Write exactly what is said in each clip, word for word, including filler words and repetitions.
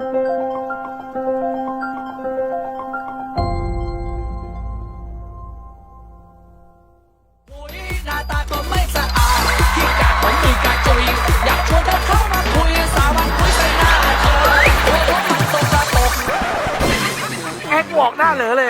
หน้าตาก็ไม่สะอาดขี้กากเหมือนมีกาจุยอยากชวนเธอเข้ามาคุยสาวันคุยใส่หน้าเธอหัวเราะมันตกตาตกแอกบอกหน้าเหลือเลย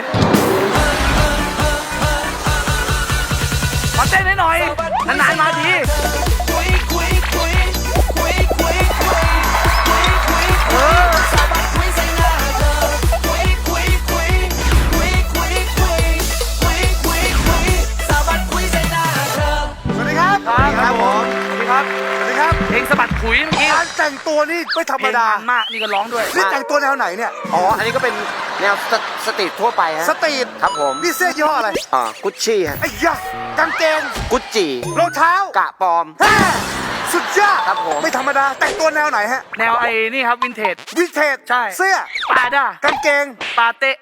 ขอเต้นให้หน่อยนานๆมาทีคุยคุยคุยคุยคุยคุยคุยคุยคุยสาวันคุยใส่หน้าเธอคุยคุยคุยคุยคุยคุยคุยคุยคุยสาวันคุยใส่หน้าเธอสวัสดีครับครับผมสวัสดีครับสวัสดีครับเพลงสะบัดขุยเมื่อกี้การแต่งตัวนี่ไม่ธรรเพมลงดามันมากนี่ก็ร้องด้วยนี่แต่งตัวแนวไหนเนี่ยอ๋อ อันนี้ก็เป็นแนวสสตรีททั่วไปฮะสตรีทครับผมนี่เสื้อยี่ห้ออะไรอ่ากุชชี่ฮะไอ้ยะกางเกงกุชจีรองเท้ากะปลอมแฮ่สุดยอดครับผมไม่ธรรมดา แต่งตัวแนวไหนฮะแนวไอ้นี่ครับวินเทจวินเทจใช่เสื้อปาด้ากางเกงปาเตะ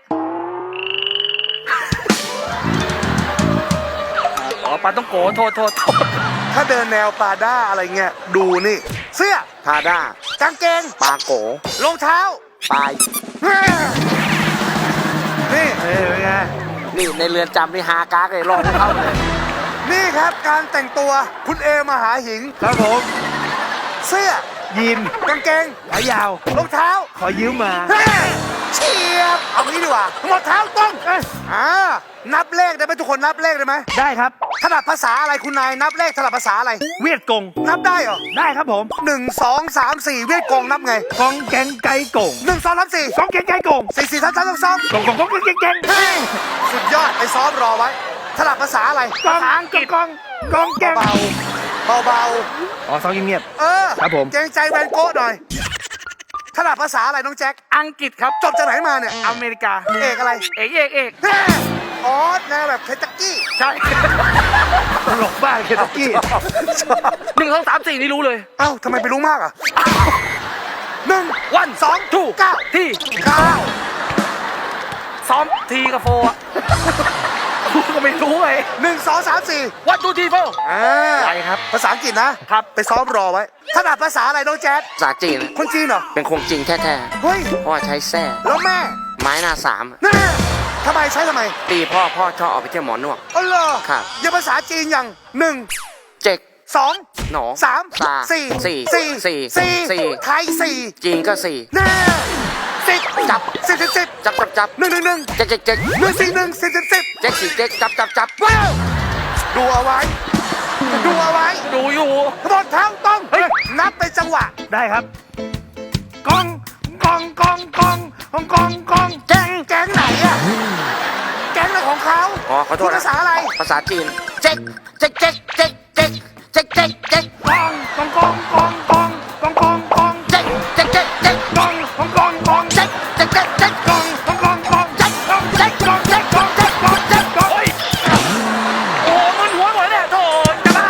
อ๋อปาต้องโกโทษโทษโทษถ้าเดินแนวปาด้าอะไรเงี้ยดูนี่ เสื้อพาด้ากางเกงปาโกรองเท้าปายแฮ่นี่เอ้ยไงนี่ในเรือนจำนี่ฮากากเลยรอดไม่เข้าเลยนี่ครับการแต่งตัวคุณเอมหาหิงครับผมเสื้อยีนกางเกงขายาวรองเท้าขอยืมมาแฮ่เฉียบ เอางี้ดีกว่าหมดเท้าต้องเอ้ยอ่านับเลขได้ไหมทุกคนนับเลขได้ไหมได้ครับถนัดภาษาอะไรคุณนายนับเลขถนัดภาษาอะไรเวียดกงนับได้เหรอได้ครับผมหนึ่งสองสามสี่เวียดกงนับไงกองแกงไก่กงหนึ่งสองสามสี่กองแกงไก่กงสี่สี่สามสามสองสองกงกงกงกงแกงแกงเฮ้ยสุดยอดไปซ้อมรอไว้ถนัดภาษาอะไรกองกงกงกองแกงเบาเบาเบาอ๋อซ้อมเงียบๆเออครับผมเกรงใจแวนโก้หน่อยถนัดภาษาอะไรน้องแจ็คอังกฤษครับจบจากไหนมาเนี่ยอเมริกาเอกอะไรเอกเอกเอกแฮ่อ๋อแนวแบบเคนตักกี้ใช่ๆตลกบ้ากเคนตักกี้หนึ่งสองสามสี่นี่รู้เลยเอ้าทำไมไปรู้มากอ่ะหนึ่งวันสองทูเก้าที่เก้าซ้อมทีกับโฟอ่ะกูก็ไม่รู้ไงหนึ่งสองสามสี่วันทูทีโฟอ่าไปครับภาษาอังกฤษนะครับ ไปซ้อมรอไว้ถนัดภาษาอะไรน้องแจ๊ดภาษาจีนคนจีนเหรอเป็นคงจริงแท้เฮ้ยๆพ่อใช้แส้แล้วแม่ไม้หน้าสามแน่ทำไมใช้ทำไมตีพ่อพ่อชอบเอาไปเที่ยวหมอนวดอ๋อเหรอครับยังภาษาจีนอย่างหนึ่งเจ็กสองหนอสามสาสี่สี่สี่สี่สี่สี่ไทยสี่จีนก็สี่แน่สิบจับสิบสิบสิบจับจับจับหนึ่งหนึ่งหนึ่งเจ๊กเจ๊กเจ๊กหนึ่งสี่หนึ่งสิบสิบสิบเจ๊กสี่เจ๊กจับจับจับว้าวดูเอาไว้ ดูเอาไว้ดูอยู่หมดทั้งต้องเฮ้ยนับเป็นจังหวะได้ครับกองกองกองกองกองกองกองแก๊งแก๊งไหนอะแก๊งอะไรของเขาอ๋อขอโทษพูดนะภาษาอะไรภาษาจีน เจ๊กเจ๊กเจ๊กเจ๊กเจ๊กเจ๊กเจ๊กเจ๊กกองกองกองกองกองกองกองกองเจ๊กเจ๊กเจ๊กเจ๊กกองกองกองกองเจ๊กเจ๊กเจ๊กเจ๊กกองกองกองกองกองกองเจ๊กกองเจ๊กกองเจ๊กกองเจ๊กกองโอ้มันหัวหมดเนี่ยโถจะบ้า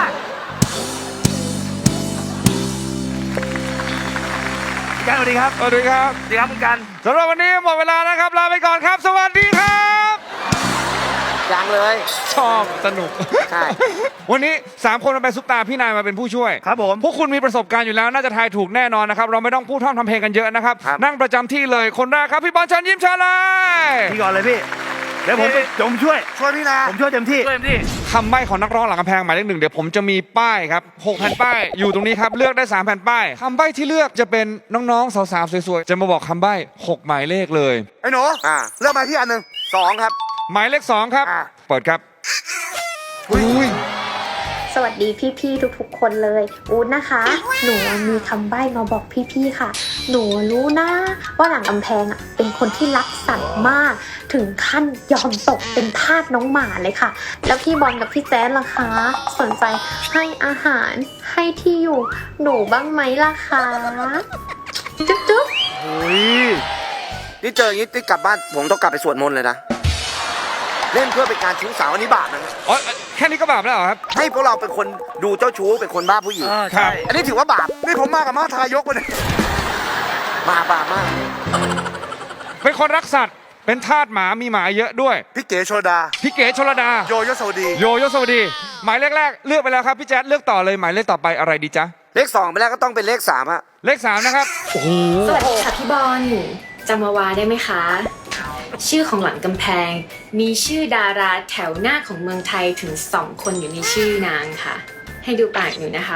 แกสวัสดีครับสวัสดีครับดีครับคุณกันสำหรับวันนี้หมดเวลานะครับ ลาไปก่อนครับ สวัสดีครับยังเลยชอบสนุกใช่วันนี้สามคนมาเป็นซุปตาพี่นายมาเป็นผู้ช่วยครับผมพวกคุณมีประสบการณ์อยู่แล้วน่าจะทายถูกแน่นอนนะครับ เราไม่ต้องพูดท่องทำเพลงกันเยอะนะครับ นั่งประจำที่เลยคนแรกครับพี่บอลเชิญยิ้มเชิญเลยพี่ก่อนเลยพี่เดี๋ยวผมไปผมช่วยช่วยพี่นาผมช่วยเต็มที่ช่วยพี่คำใบ้ของนักร้องหลังกำแพงหมายเลขหนึ่งเดี๋ยวผมจะมีป้ายครับหกแผ่นป้ายอยู่ตรงนี้ครับเลือกได้สามแผ่นป้ายคำใบ้ที่เลือกจะเป็นน้องๆสาวๆสวยๆจะมาบอกคำใบ้หกหมายเลขเลยไอ้หนูอ่าเลือกมาที่อันหนึ่งสองครับหมายเลขสองครับอ่ะเปิดครับอุ้ยสวัสดีพี่ๆทุกๆคนเลยอู๊ดนะคะ หนูมีคำใบ้มาบอกพี่ๆค่ะ หนูรู้นะว่าหลังกำแพงอ่ะเป็นคนที่รักสัตว์มาก ถึงขั้นยอมตกเป็นทาสน้องหมาเลยค่ะ แล้วพี่บอลกับพี่แจ๊ดล่ะคะ สนใจให้อาหารให้ที่อยู่หนูบ้างไหมล่ะคะจุ๊บจุ๊บนี่เจออย่างนี้ที่กลับบ้านผมต้องกลับไปสวดมนต์เลยนะ เล่นเพื่อเป็นการชู้สาวอันนี้บาปนะอ๋อแค่นี้ก็บาปแล้วเหรอครับให้พวกเราเป็นคนดูเจ้าชู้เป็นคนบ้าผู้หญิงเออครัใช่บอันนี้ถือว่าบาปนี่ผมมากับมาทายกมาเนี่ยบาปบาปมากเป็นคนรักสัตว์ เป็นทาสหมามีหมาเยอะด้วยพี่เก๋โชดาพี่เก๋ชลดาโยโยสวัสดีโยโยสวัสดี หมายเลขแรกเลือกไปแล้วครับพี่แจ๊ดเลือกต่อเลยหมายเลขต่อไปอะไรดีจ๊ะเลขสองไปแล้วก็ต้องเป็นเลขสามฮะเลขสามนะครับสวัสดีค่ะพี่บอลจำวาวาได้ไหมคะ ชื่อของหลังกำแพง มีชื่อดาราแถวหน้าของเมืองไทยถึงสองคนอยู่ในชื่อนางค่ะ ให้ดูปากหนูนะคะ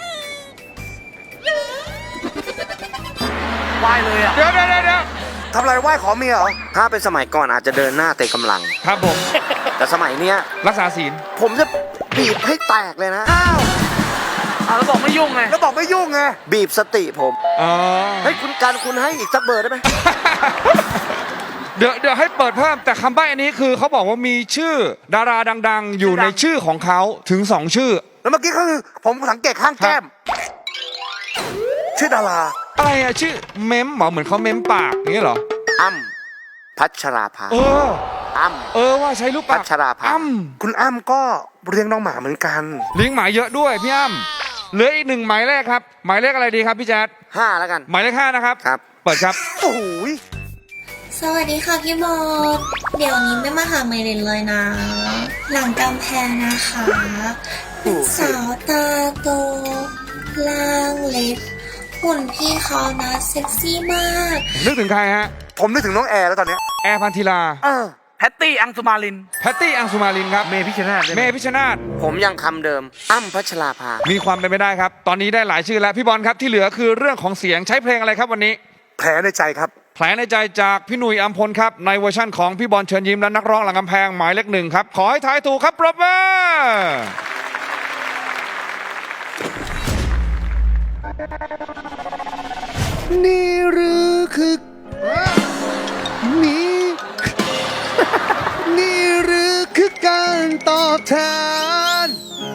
ไหว้เลยอ่ะเดี๋ยวเดี๋ยวเดี๋ยวทำอะไรไหว้ขอเมียเหรอถ้าเป็นสมัยก่อนอาจจะเดินหน้าเตะกำลังครับผมแต่สมัยเนี้ยรักษาศีลผมจะบีบให้แตกเลยนะอ้าวอ่ะแล้วบอกไม่ยุ่งไงแล้วบอกไม่ยุ่งไงบีบสติผมอ๋อเฮ้ยคุณการคุณให้อีกสักเบอร์ได้ไหมเดี๋ยวเดี๋ยวให้เปิดเพิ่มแต่คำใบ้อันนี้คือเขาบอกว่ามีชื่อดาราดังๆ อยู่ในชื่อของเขาถึงสองชื่อแล้วเมื่อกี้ก็คือผมสังเกตข้างแก้ม ชื่อดาราอะไรอะชื่อเม้มเหรอเหมือนเขาเม้มปากอย่างเงี้ยเหรออ้ำพัชราภาเอออ้ำเออว่าใช้รูปปากพัชราภาอ้ำคุณอ้ำก็เลี้ยงน้องหมาเหมือนกันเลี้ยงหมาเยอะด้วยพี่อ้ำเหลืออีกหนึ่งหมายเลขครับ หมายเลขอะไรดีครับพี่แจ๊ดห้าแล้วกันหมายเลขห้านะครับครับเปิดครับโอ้โหยสวัสดีค่ะพี่บอลเดี๋ยวนี้ไม่มาหาเมลินเลยนะ หลังกำแพงนะคะเป็นสาวตาโตล่างเล็กหุ่นพี่เขานะเซ็กซี่มากนึกถึงใครฮะผมนึกถึงน้องแอร์แล้วตอนเนี้ยแอร์พันธิลาเออแพตตี้อังสุมาลินแพตตี้อังสุมาลินครับเมพิชนาธิ์ได้ไหเมมพิชนาธผมยังคำเดิม อ้ำพัชราภามีความเป็นไปได้ครับ ตอนนี้ได้หลายชื่อแล้วพี่บอลครับที่เหลือคือเรื่องของเสียงใช้เพลงอะไรครับวันนี้แผลในใจครับแผลในใจจากพี่หนุ่ยอัมพลครับในเวอร์ชั่นของพี่บอลเชิญยิ้มและนักร้องหลังกำแพงหมายเลขหนึ่งครับขอให้ทายถูกครับปรบมือนี่หรือคือนี่ นี่หรือคือการตอบแทน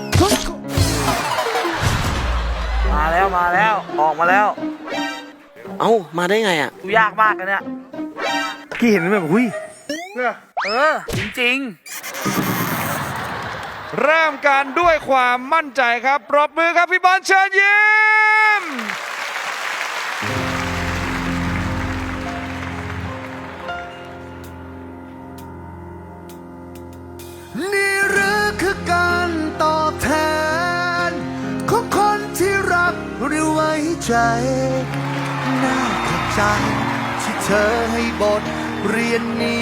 มาแล้วมาแล้วออกมาแล้วเอ้า มาได้ไงอ่ะดูยากมากนะเนี่ยพี่เห็นแบบหุ้ยเออ จริงเริ่มกันด้วยความมั่นใจครับปรบมือครับพี่บอลเชิญยิ้มนี่หรือคือการตอบแทนของคนที่รักหรือไว้ใจ น่าขอบใจที่เธอให้บทเรียนนี้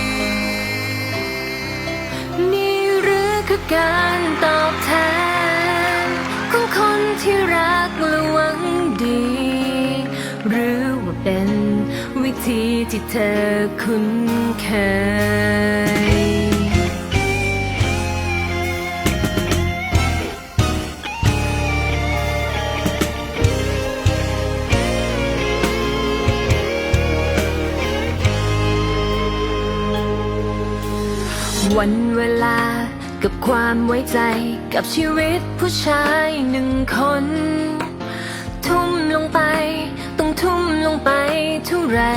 นี่หรือคือการตอบแทนของคนที่รักและหวังดี หรือว่าเป็นวิธีที่เธอคุ้นเคย วันเวลากับความไว้ใจกับชีวิตผู้ชายหนึ่งคน ทุ่มลงไปต้องทุ่มลงไปเท่าไหร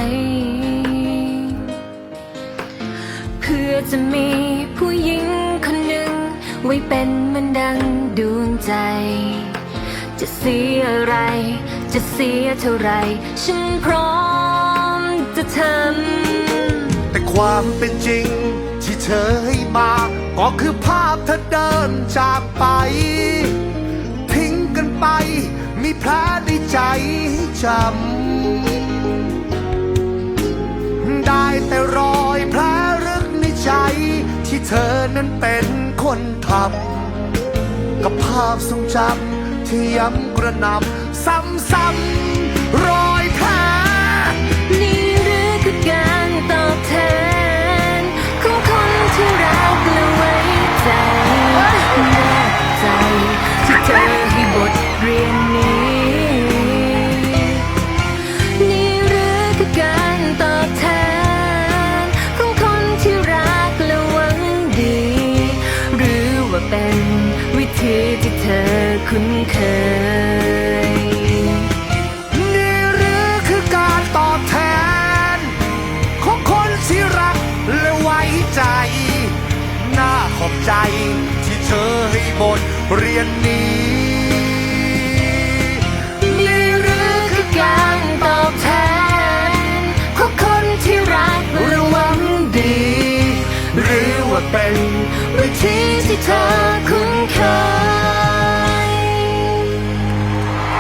เพื่อจะมีผู้หญิงคนหนึ่งไว้เป็นเหมือนดังดวงใจ จะเสียอะไรจะเสียเท่าไหรฉันพร้อมจะทำแต่ความเป็นจริงที่เธอให้มาก็คือภาพเธอเดินจากไป ทิ้งกันไปมีแผลในใจให้จำได้แต่รอยแผลลึกในใจที่เธอนั้นเป็นคนทำกับภาพทรงจำที่ย้ำกระหน่ำซ้ำๆรอยแผลนี่หรือคือการตอบแทนของคนที่รักและไว้ใจแน่ใจที่เธอให้บทเรียนนี้ นี่หรือคือการตอบแทนของคนที่รักและหวังดี หรือว่าเป็นวิธีที่เธอคุ้นเคยนี่หรือคือการตอบแทนของคนที่รักและไว้ใจ น่าขอบใจที่เธอให้บทเรียนนี้นี่หรือคือการตอบแทนของคนที่รักและหวังดีหรือว่าเป็นวิธีที่เธอคุ้นเคย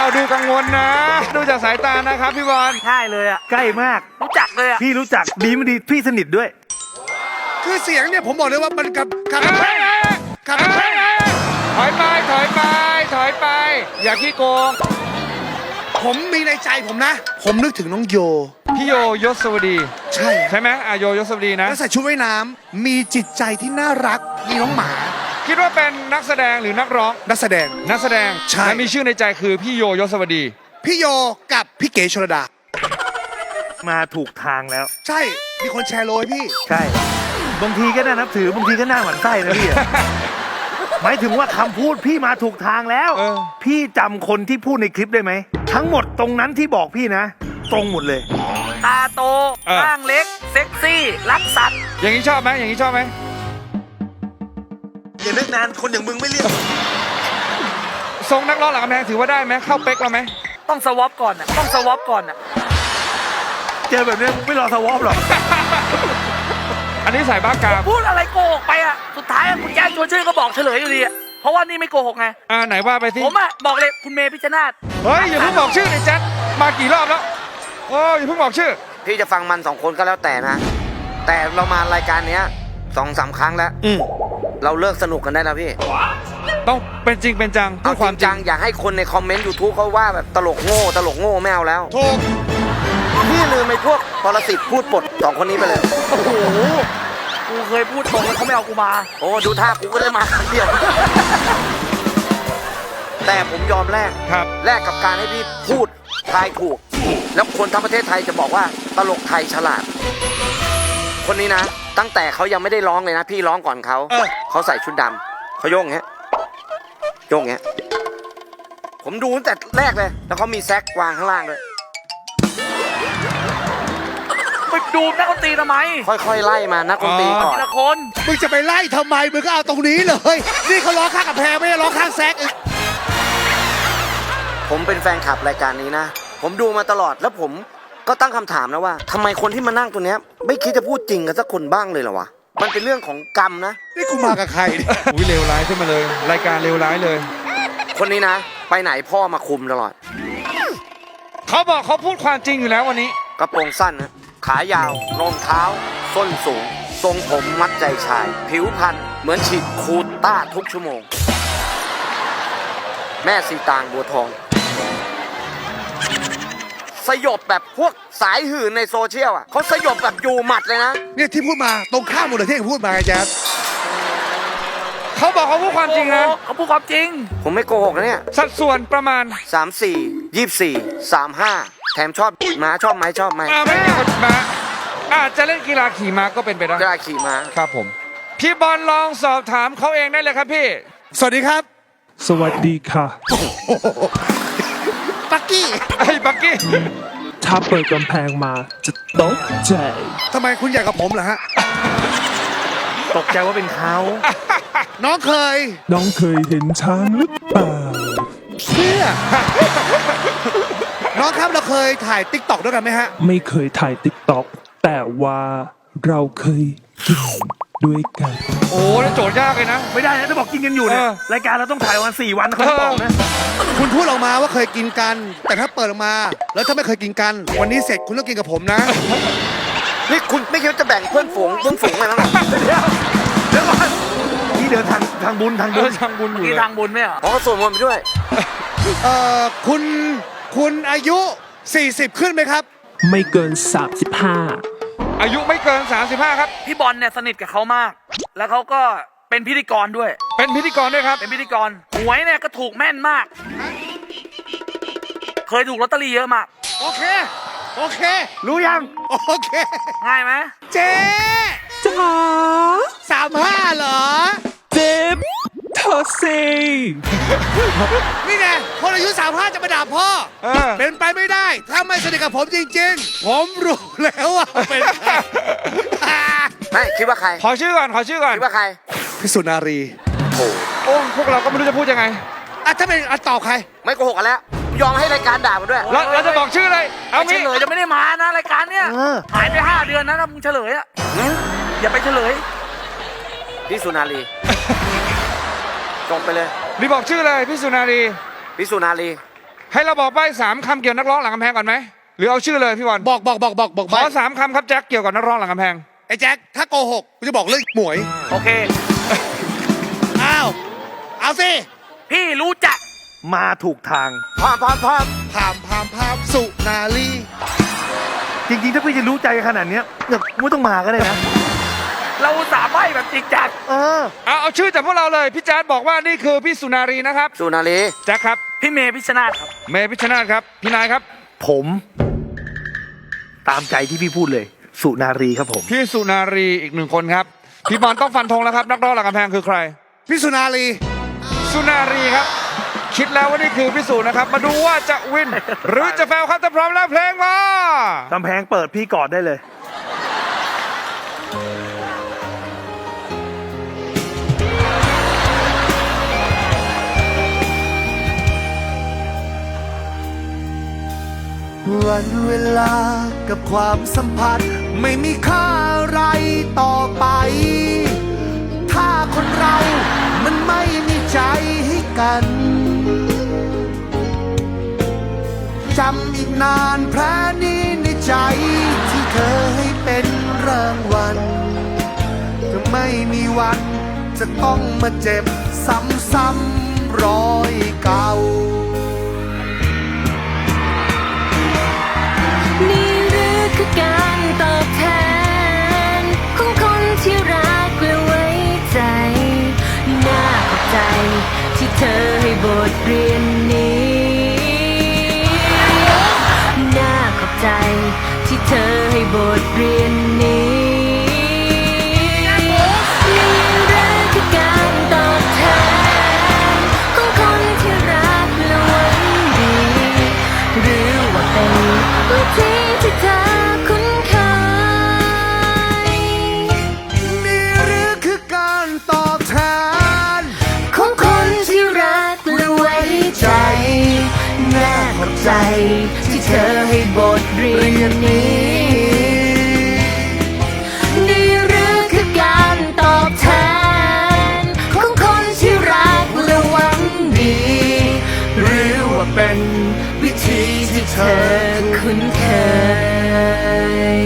ดูกังวลนะ ดูจากสายตานะครับพี่บอลง่ายเลยอ่ะ ใกล้มาก รู้จักเลยอ่ะ พี่รู้จัก ดีไม่ดี พี่สนิทด้วยคือเสียงเนี่ยผมบอกเลยว่ามันกับกับเอ้ยเอ้ยกับเอ้ยเอ้ยถอยไปถอยไปถอยไป อย่าขี้โกงผมมีในใจผมนะ ผมนึกถึงน้องโยพี่โยยศวดีใช่ใช่ไหมอ่ะโยยศวดีนะแล้วใส่ชุดว่ายน้ำมีจิตใจที่น่ารักมีน้องหมาคิดว่าเป็นนักแสดงหรือนักร้องนักแสดงนักแสดงใช่และมีชื่อในใจคือพี่โยยศวดีพี่โยกับพี่เก๋ชลดามาถูกทางแล้วใช่ มีคนแชร์โลยพี่ใช่ บางทีก็น่านับถือบางทีก็น่าหวั่นไส้นะพี่อะ หมายถึงว่าคำพูดพี่มาถูกทางแล้วเออพี่จำคนที่พูดในคลิปได้ไหม ทั้งหมดตรงนั้นที่บอกพี่นะ ตรงหมดเลย ตาโตร่างเล็ก เซ็กซี่ รักสัตว์อย่างนี้ชอบไหมอย่างนี้ชอบไหมอย่านึกนานคนอย่างมึงไม่เรียกทรงนักร้องหลังกำแพงถือว่าได้ไหมเข้าเป๊กเราไหมต้องสวอปก่อนอ่ะ ต้องสวอปก่อนอ่ะ เจอแบบนี้มึงไม่รอสวอปหรอกอันนี้สายบ้ากามพูดอะไรโกหกไปอ่ะ สุดท้ายอะคุณแจ้งชวนชื่อก็บอกเฉลยอยู่ดีอ่ะ เพราะว่านี่ไม่โกหกไงอ่าไหนว่าไปสิผมอ่ะบอกเลยคุณเมย์พิชชนาธิ์เฮ้ยอย่าเพิ่งบอกชื่อไอ้แจ๊ดมากี่รอบแล้วโอ้ยอย่าเพิ่งบอกชื่อพี่จะฟังมันสองคนก็แล้วแต่นะ แต่เรามารายการเนี้ยสองสามครั้งแล้วอืมเราเลิกสนุกกันได้แล้วพี่ต้องเป็นจริงเป็นจังพูเอาดคาวความ มจริจังงอย่าให้คนในคอมเมนต์ยูทูบเขาว่าแบบตลกโง่ตลกโง่ไม่เอาแล้วถูกพี่ลืมไอ้พวกปรสิตพูดปดสองคนนี้ไปเลยโอ้โห กูเคยพูดตรงแล้วเขาไม่เอากูมาโอ้ดูท่ากูก็ได้มาครั้งเดียว แต่ผมยอมแลกครับแลกกับการให้พี่พูดทายถูก แล้วคนทั้งประเทศไทยจะบอกว่าตลกไทยฉลาด คนนี้นะ ตั้งแต่เขายังไม่ได้ร้องเลยนะ พี่ร้องก่อนเขาเออเขาใส่ชุดดำเขาโยกอย่างเงี้ยโยกอย่างเงี้ยผมดูตั้งแต่แรกเลย แล้วเขามีแซกวางข้างล่างด้วยไปดูนักดนตรีทำไมค่อยๆไล่มานักดนตรีก่อนทีละคนมึงจะไปไล่ทำไม มึงก็เอาตรงนี้เลย นี่เขาร้องข้างกับแพงไม่ได้ร้องข้างแซกอีกผมเป็นแฟนคลับรายการนี้นะ ผมดูมาตลอดแล้วผมก็ตั้งคำถามนะว่าทำไมคนที่มานั่งตัวเนี้ยไม่คิดจะพูดจริงกันสักคนบ้างเลยเหรอวะ มันเป็นเรื่องของกรรมนะนี่กูมากับใครเนี่ยอุ้ยเลวร้ายขึ้นมาเลย รายการเลวร้ายเลยคนนี้นะ ไปไหนพ่อมาคุมตลอดเขาบอกเขาพูดความจริงอยู่แล้ววันนี้กระโปรงสั้นนะขายาวรองเท้า ส้นสูง ทรงผมมัดใจชาย ผิวพรรณเหมือนฉีดคูต้าทุกชั่วโมง แม่สีตางบัวทอง สยบแบบพวกสายหื่นในโซเชียลอ่ะเขาสยบแบบอยู่หมัดเลยนะเนี่ยที่พูดมาตรงข้ามหมดเลยที่พูดมาไงแจ๊สเขาบอกเขาพูดความจริงนะเขาพูดความจริงผมไม่โกหกนะเนี่ยสัดส่วนประมาณสามสี่ยี่สี่สามห้าแถมชอบม้าชอบไหมชอบไหมอ่าไม่เกี่ยวกับม้าอาจจะเล่นกีฬาขี่ม้าก็เป็นไปได้กล้าขี่ม้าครับผม พี่บอลลองสอบถามเขาเองได้เลยครับพี่สวัสดีครับสวัสดีค่ะปักกี้ไอ้บักกี้ถ้าเปิดกำแพงมาจะตกใจทำไมคุณอยากกับผมเหรอฮะตกใจว่าเป็นเขาน้องเคยน้องเคยเห็นช้างหรือเปล่าเชื่อ น้องครับเราเคยถ่ายติ๊กต็อกด้วยกันไหมฮะไม่เคยถ่ายติ๊กต็อกแต่ว่าเราเคยกินด้วยกันโอ้นี่โจทย์ยากเลยนะไม่ได้นะถ้าบอกกินกันอยู่เนี่ยเออรายการเราต้องถ่ายวันสี่วันเขาจะบอกนะคุณพูดออกมาว่าเคยกินกัน แต่ถ้าเปิดออกมา แล้วถ้าไม่เคยกินกัน วันนี้เสร็จคุณต้องกินกับผมนะนี่คุณไม่คิดว่าจะแบ่งเพื่อนฝูงเพื่อนฝูงอะไรบ้างเหรอเดี๋ยวเดี๋ยวก่อนนี่เดินทางทางบุญทางเอบุอญทางบุญอยู่นี่เลยทางบุญไหมอ่ะอ๋อส่วนมนต์ไปด้วยเอ่อคุณคุณอายุ สี่สิบ ขึ้นไหมครับไม่เกินสามสิบห้าอายุไม่เกินสามสิบห้าครับพี่บอลเนี่ยสนิทกับเขามาก แล้วเขาก็เป็นพิธีกรด้วยเป็นพิธีกรด้วยครับเป็นพิธีกรหวยเนี่ยก็ถูกแม่นมาก เคยถูกลอตเตอรี่เยอะมากโอเค โอเครู้ยังโอเคง่ายไหมเจ๊จ๋าสามห้าเหรอเจ็บเธอสินี่ไง คนอายุสามห้าจะมาด่าพ่อเออเป็นไปไม่ได้ ถ้าไม่สนิทกับผมจริงๆ ผมรู้แล้วว่าเป็นใครไม่คิดว่าใครขอชื่อก่อน ขอชื่อก่อนคิดว่าใครพิสุนารีโอ้โอ้พวกเราก็ไม่รู้จะพูดยังไงอ่ะถ้าเป็นอ่ะตอบใครไม่โกหกกันแล้ว ยอมให้รายการด่ามันด้วยเราเราจะบอกชื่อเลย เอาเฉงี้ลยจะไม่ได้มานะรายการเนี่ยหายไปห้าเดือนนะถ้ามึงเฉลยอ่ะอย่าไปเฉลยพี่สุนารีจงไปเลยรีบบอกชื่อเลยพี่สุนารีพี่สุนารีให้เราบอกใบ้สามคำเกี่ยวกับนักร้องหลังกำแพงก่อนไหมหรือเอาชื่อเลยพี่บอลบอกบอกบอกบอกบอกขอสามคำครับแจ็คเกี่ยวกับนักร้องหลังกำแพงไอ้แจ็คถ้าโกหกกูจะบอกเรื่องหมวยโอเคอ้าวเอาสิพี่รู้จักมาถูกทางพามพามพามพามพามพามสุนารีจริงๆ ถ้าพี่จะรู้ใจขนาดเนี้ยเนี่ยไม่ต้องมาก็ได้นะ เราสามารถแบบจริงจังเออเอาเอาชื่อจากพวกเราเลยพี่แจ๊ดบอกว่านี่คือพี่สุนารีนะครับสุนารีแจ็คครับพี่เมย์พิชชนาธิ์ครับเมย์พิชชนาธิ์ครับพี่นายครับผม ตามใจที่พี่พูดเลย สุนารีครับผมพี่สุนารีอีกหนึ่งคนครับพี่บอลต้องฟันธงแล้วครับนักร้องหลังกำแพงคือใครพี่สุนารีสุนารีครับ คิดแล้วว่านี่คือพี่สุนะครับ มาดูว่าจะวิน หรือจะแฟลครับถ้าพร้อมแล้วเพลงมากำแพงเปิดพี่กอดได้เลยวันเวลากับความสัมพันธ์ไม่มีค่าอะไรต่อไป ถ้าคนเรามันไม่มีใจให้กัน จำอีกนานแผลนี้ในใจที่เธอให้เป็นรางวัลจะไม่มีวันจะต้องมาเจ็บซ้ำๆรอยเก่านี่หรือคือการตอบแทนของคนที่รักและไว้ใจ น่าขอบใจที่เธอให้บทเรียนนี้ น่าขอบใจที่เธอให้บทเรียนนี้ นี่หรือคือการตอบแทนของคนที่รักและหวังดี หรือว่าเป็นวิธีที่เธอคุ้นเคยนี่หรือคือการตอบแทนของคนที่รักและไว้ใจ น่าขอบใจที่เธอให้บทเรียนนี้ นี่หรือคือการตอบแทนของคนที่รักและหวังดี หรือว่าเป็นวิธีที่เธอคุ้นเคย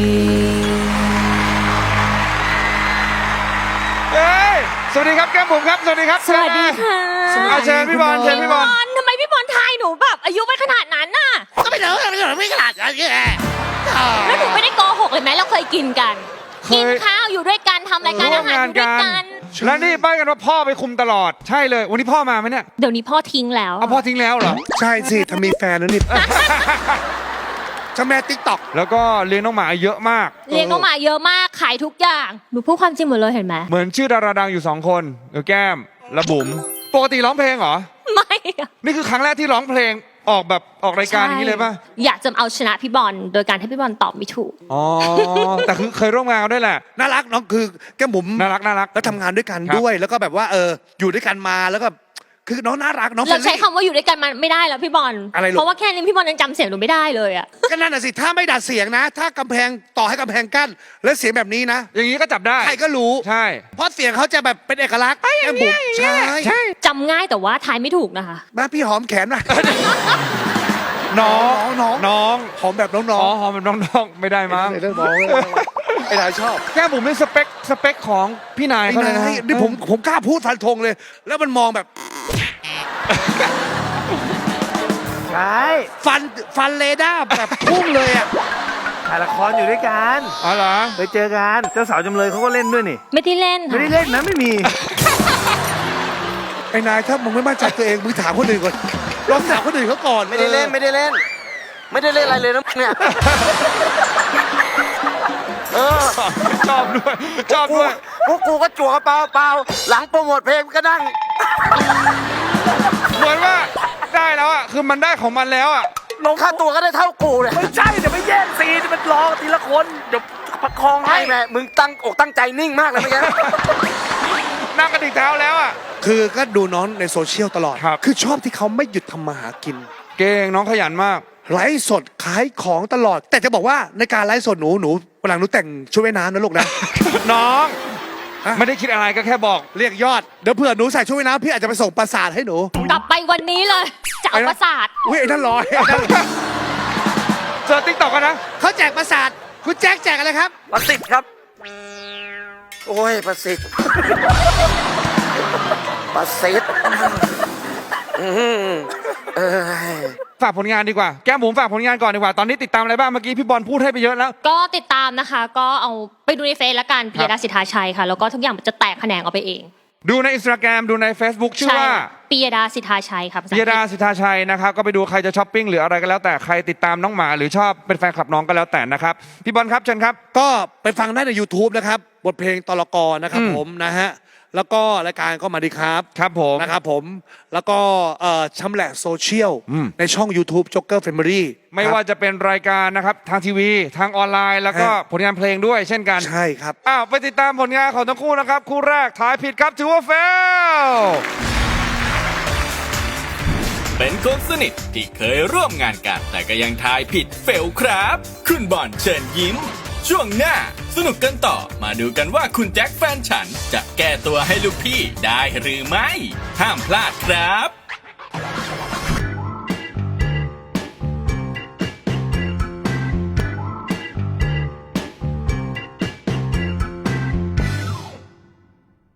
เอ้ยสวัสดีครับแก้มบุ๋มครับสวัสดีครับสวัสดีค่ะอาเชิญพี่บอลเชิญพี่บอลทำไมพี่บอลทายหนูแบบอายุไม่ขนาดนั้นน่ะก็ไม่เถอะไม่เถอะไม่ขนาดนั้นแหละแล้วหนูไม่ได้โกหกเลยไหมเราเคยกินกันเคยกินข้าวอยู่ด้วยกันทำรายการอาหารอยู่ด้วยกันและนี่ป้ายกันว่าพ่อไปคุมตลอดใช่เลยวันนี้พ่อมาไหมเนี่ยเดี๋ยวนี้พ่อทิ้งแล้วเอาพ่อทิ้งแล้วเหรอใช่สิถ้ามีแฟนแล้วนี่ เจ้าแม่ติ๊กต็อกแล้วก็เลี้ยงน้องหมาเยอะมากเลี้ยงน้องหมาเยอะมากขายทุกอย่างหนูพูดความจริงหมดเลยเห็นไหมเหมือนชื่อดาราดังอยู่สองคนเดี๋ยวแก้มและบุ๋มปกติร้องเพลงเหรอไม่อะนี่คือครั้งแรกที่ร้องเพลงออกแบบออกรายการอย่างนี้เลยป่ะอยากจะเอาชนะพี่บอลโดยการให้พี่บอลตอบไม่ถูกอ๋อ แต่คือเคยร่วมงานกันด้วยแหละน่ารักน้องคือแก้มบุ๋มน่ารักน่ารักแล้วทำงานด้วยกันครับด้วย แล้วก็แบบว่าเอออยู่ด้วยกันมาแล้วก็คือน้องน่ารักน้องเราใช้เฟรนลี่คำว่าอยู่ด้วยกันมาไม่ได้แล้วพี่บอลอะไรลูกเพราะว่าแค่นี้พี่บอลยังจำเสียงหนูไม่ได้เลยอะก็นั่นน่ะสิถ้าไม่ดัดเสียงนะ ถ้ากำแพงต่อให้กำแพงกั้นแล้วเสียงแบบนี้นะอย่างนี้ก็จับได้ใครก็รู้ใช่เพราะเสียงเขาจะแบบเป็นเอกลักษณ์แก้มบุ๋มใช่ใช่จำง่ายแต่ว่าทายไม่ถูกนะคะมาพี่หอมแขนหน่อยน้องน้องน้องหอมแบบน้อ๋ออง หอมเป็นน้องๆไม่ได้ๆมั้งเรื่องน้องไอ้นายชอบแก้มบุ๋มเป็นสเปคสเปคของพี่นายไอ้เขาเลยนะนายนี่ผมผมกล้าพูดฟันธงเลย แล้วมันมองแบบใช่ฟันฟันเรดาร์แบบพุ่งเลยอ่ะถ่ายละครอยู่ด้วยกันอ๋อเหรอไปเจอกันเจ้าสาวจำเลยเขาก็เล่นด้วยนี่ไม่ได้เล่นไม่ค่ะได้เล่นนะไม่มีไอ้นายถ้ามึงไม่มั่นใจตัวเองมึงถามคนอื่นก่อนลองถามคนอื่นเขาก่อนไม่ได้เล่นไม่ได้เล่น ไม่ได้เล่นอะไรเลยนะเนี่ย เออชอบด้วยชอบด้วยพวกกูก็จั่วกระเป๋าเปล่าหลังโปรโมทเพลงก็นั่งเหมือนว่าได้แล้วอ่ะคือมันได้ของมันแล้วอ่ะลงค่าตัวก็ได้เท่ากูเลยไม่ใช่เดี๋ยวไม่แย่งซีนมันรอทีละคนเดี๋ยวประคองให้ให้แม่มึงตั้งอกตั้งใจนิ่งมากเลยเมื่อกี้นั่งกระดิกเท้าแล้วอ่ะคือก็ดูน้องในโซเชียลตลอดครับคือชอบที่เขาไม่หยุดทำมาหากินเก่งน้องขยันมากไลฟ์สดขายของตลอด แต่จะบอกว่าในการไลฟ์สดหนูหนูวันหลังหนูแต่งชุดว่ายน้ำนะลูกนะน้องฮะไม่ได้คิดอะไรก็แค่บอกเรียกยอด เดี๋ยวเผื่อหนูใส่ชุดว่ายน้ำพี่อาจจะไปส่งประสาทให้หนูกลับไปวันนี้เลยจะเอาประสาทอุ้ยไอ้นั่นลอยเจอติ๊กต็อกกันนะเขาแจกประสาทคุณแจ็คแจกอะไรครับประสิทธิ์ครับ โอ้ยประสิทธิ์ ประสิทธิ์อื้อหือเอ้ยฝากผลงานดีกว่าแก้มบุ๋มฝากผลงานก่อนดีกว่าตอนนี้ติดตามอะไรบ้างเมื่อกี้พี่บอลพูดให้ไปเยอะแล้วก็ติดตามนะคะ ก็เอาไปดูในเฟซละกันปิยดาสิทธาชัยค่ะ แล้วก็ทุกอย่างมันจะแตกแขนงออกไปเองดูในอินสตาแกรมดูใน Facebook ชื่อว่าปิยดาสิทธาชัยครับปิยดาสิทธาชัยนะครับก็ไปดูใครจะช้อปปิ้งหรืออะไรก็แล้วแต่ใครติดตามน้องหมาหรือชอบเป็นแฟนคลับน้องก็แล้วแต่นะครับพี่บอลครับเชิญครับก็ไปฟังได้ใน YouTube นะครับ บทเพลงตลกรนะครับอืมผมนะฮะ แล้วก็รายการก็มาดีครับครับผมนะครับผม แล้วก็เอ่อชำแหละโซเชียลอืมในช่อง YouTube Joker Family ไม่ว่าจะเป็นรายการนะครับทางทีวีทางออนไลน์ แล้วก็ฮะผลงานเพลงด้วยเช่นกันใช่ครับอ้าวไปติดตามผลงานของทั้งคู่นะครับคู่แรกทายผิดครับถือว่าเฟลเป็นคนสนิทที่เคยร่วมงานกัน แต่ก็ยังทายผิดเฟลครับ คุณบอลเชิญยิ้ม ช่วงหน้าสนุกกันต่อมาดูกันว่าคุณแจ็คแฟนฉันจะแก้ตัวให้ลูกพี่ได้หรือไม่ ห้ามพลาดครับ